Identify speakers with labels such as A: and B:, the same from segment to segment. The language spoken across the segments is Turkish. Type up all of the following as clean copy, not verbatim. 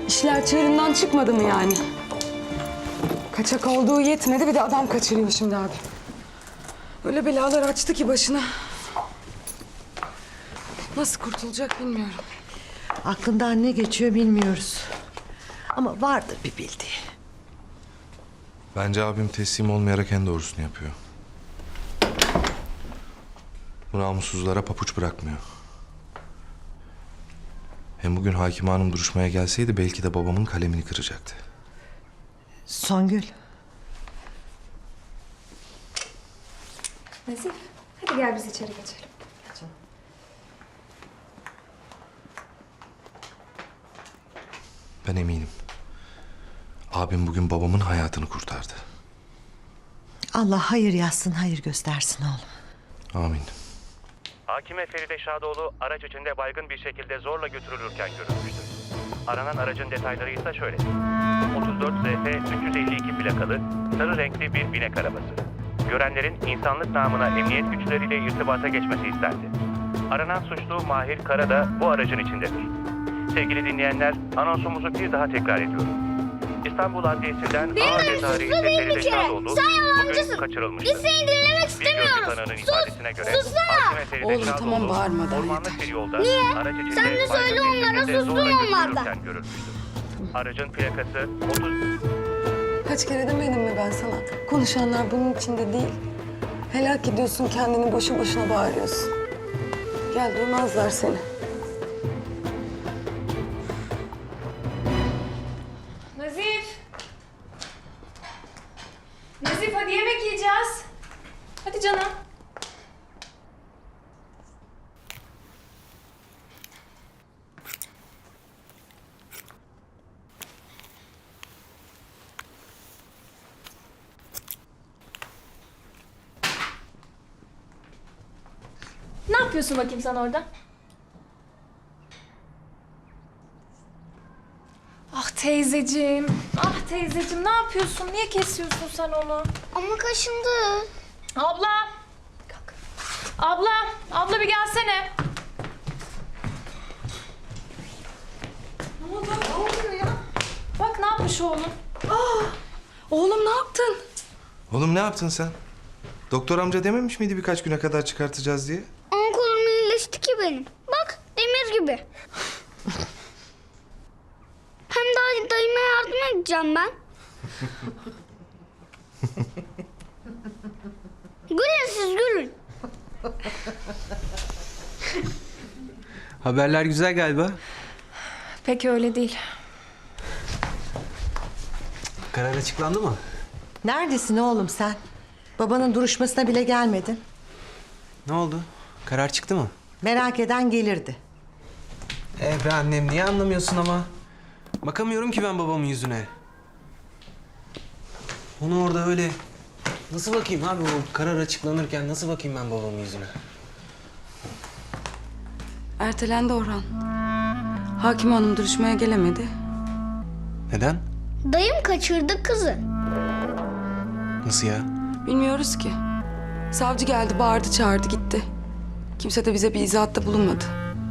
A: İşler çığırından çıkmadı mı yani? Kaçak olduğu yetmedi, bir de adam kaçırıyor şimdi abi. Öyle belalar açtı ki başına. Nasıl kurtulacak bilmiyorum.
B: Aklından ne geçiyor bilmiyoruz. Ama vardır bir bildiği.
C: Bence abim teslim olmayarak en doğrusunu yapıyor. Bu namussuzlara papuç bırakmıyor. Hem bugün Hakime Hanım duruşmaya gelseydi belki de babamın kalemini kıracaktı.
B: Songül.
D: Nazif, hadi gel biz içeri geçelim.
C: Ben eminim. Abim bugün babamın hayatını kurtardı.
B: Allah hayır yazsın, hayır göstersin oğlum.
C: Amin.
E: Hakime Feride Şadoğlu araç içinde baygın bir şekilde zorla götürülürken görülmüştü. Aranan aracın detayları ise şöyle. 34 ZF 352 plakalı sarı renkli bir binek arabası. Görenlerin insanlık namına emniyet güçleriyle irtibata geçmesi istendi. Aranan suçlu Mahir Kara da bu aracın içindedir. Sevgili dinleyenler, anonsumuzu bir daha tekrar ediyorum. İstanbul Adliyesi'nden ağır ceza reisi Feride Şadoğlu bugün kaçırılmıştır.
D: Biz seni dinlemek
E: istemiyoruz. Sussana.
A: Oğlum, tamam, bağırma daha,
E: Ormanlık
A: yeter.
E: bir yolda
D: Niye?
E: araç içinde
D: Sen de söyle
E: baygın bir
D: onlara,
E: şekilde
D: sussun
E: zorla
D: onlar da.
E: götürülürken görülmüştür. Aracın plakası 30...
A: Kaç kere demedim mi ben sana? Konuşanlar bunun içinde değil. Helak ediyorsun kendini, boşu boşuna bağırıyorsun. Gel, duymazlar seni.
D: Nazif! Nazif, hadi yemek yiyeceğiz. Hadi canım. Ne yapıyorsun bakayım sen orada? Ah teyzeciğim, ah teyzeciğim ne yapıyorsun? Niye kesiyorsun sen onu?
F: Ama kaşındı.
D: Abla! Kalk. Abla bir gelsene. Ne oldu? Ne oluyor ya? Bak ne yapmış oğlum.
A: Oğlum, ne yaptın?
C: Oğlum ne yaptın sen? Doktor amca dememiş miydi birkaç güne kadar çıkartacağız diye?
F: Ama kolum iyileşti ki benim. Bak demir gibi. Hem daha dayıma yardım edeceğim ben. Gülün siz gülün.
G: Haberler güzel galiba.
D: Pek öyle değil.
G: Karar açıklandı mı?
B: Neredesin oğlum sen? Babanın duruşmasına bile gelmedin.
G: Ne oldu? Karar çıktı mı?
B: Merak eden gelirdi.
G: Be annem niye anlamıyorsun ama? Bakamıyorum ki ben babamın yüzüne. Onu orada öyle... Nasıl bakayım abi o karar açıklanırken nasıl bakayım ben babamın yüzüne?
A: Ertelendi Orhan. Hakim Hanım duruşmaya gelemedi.
G: Neden?
F: Dayım kaçırdı kızı.
G: Nasıl ya?
A: Bilmiyoruz ki. Savcı geldi, bağırdı, çağırdı, gitti. Kimse de bize bir izahatta bulunmadı.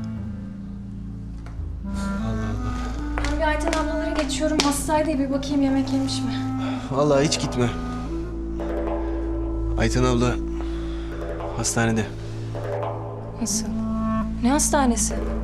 D: Ben bir Ayten ablaları geçiyorum. Hastaydı, bir bakayım yemek yemiş mi?
G: Vallahi hiç gitme. Ayten abla hastanede.
D: Nasıl? Ne hastanesi?